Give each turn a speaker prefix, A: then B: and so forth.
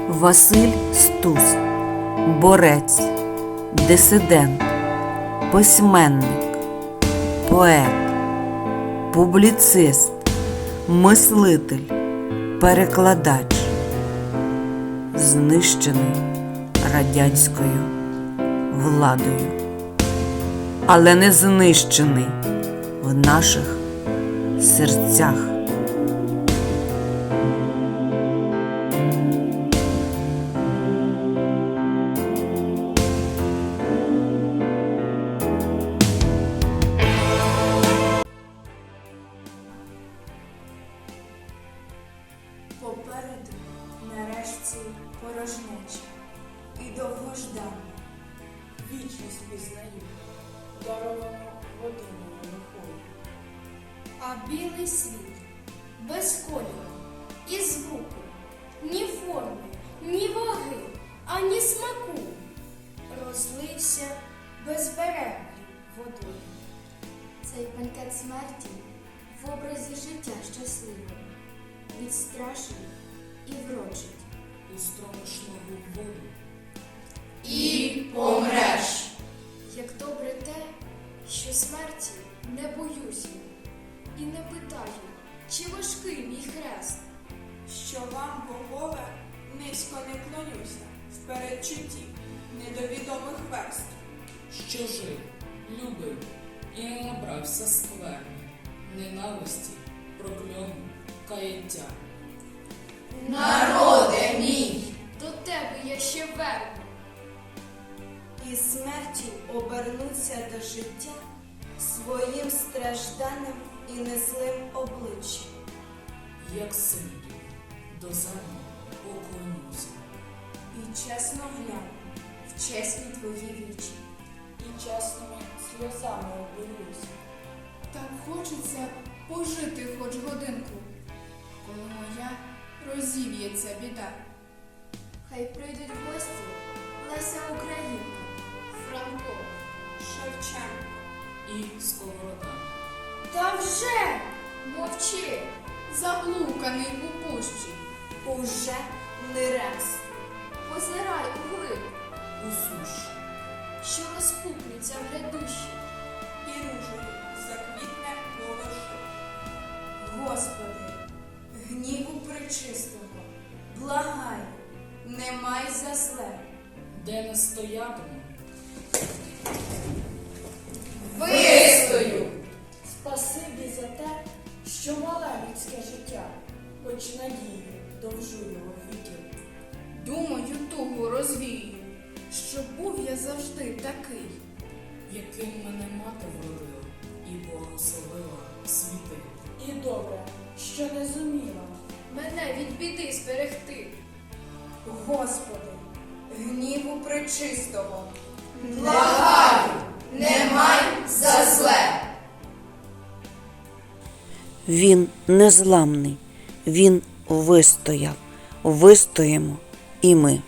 A: Василь Стус – борець, дисидент, письменник, поет, публіцист, мислитель, перекладач, знищений радянською владою, але не знищений в наших серцях.
B: Попереду нарешті порожнеча і довгождана.
C: Вічність пізнаю, даровану годиною лихою.
D: А білий світ без кольору і звуку, ні форми, ні ваги, ані смаку, розлився безберегою водою.
E: Цей бенкет смерті в образі життя щасливого відстрашить і врочить.
C: І стромиш ногу в воду.
B: І помреш.
D: Як добре те, що смерті не боюся і не питаю, чи важкий мій хрест.
B: Що вам, богове, низько не клонюся в передчутті недовідомих верств.
C: Що жив, любив і не набрався скверни, ненависті, прокльону, каяття.
B: Народе мій!
D: До тебе я ще верну.
B: І смертю обернуться до життя своїм стражданим і незлим обличчям.
C: Як синду, до землі поклонюся.
B: І чесно гляну в чесні твої вічі.
C: І чесними сльозами обілюся.
F: Так хочеться пожити хоч годинку, коли моя розів'ється біда.
E: Хай прийдуть в гості Леся Українка,
D: Франко.
B: Шевченко.
C: І сковорода.
D: Та вже мовчи.
F: Заблуканий у пущі.
B: Уже не раз.
D: Позирай углиб,
C: У суші.
D: що розпукнеться в глядущі.
B: І ружею заквітне волоши. Господи, гніву пречистого, благаю, не май за зле.
C: Де не стоятиму,
B: Вистою!
G: Спасибі за те, що мале людське життя, хоч надії довжу його віків.
F: Думаю, тугу розвію, що був я завжди такий.
C: яким мене мати вродила і благословила світи.
G: І добре, що не зуміла.
D: Мене від біди зберегти.
B: Господи, гніву пречистого, благаю, не май за зле.
A: Він незламний, він вистояв, вистоїмо і ми.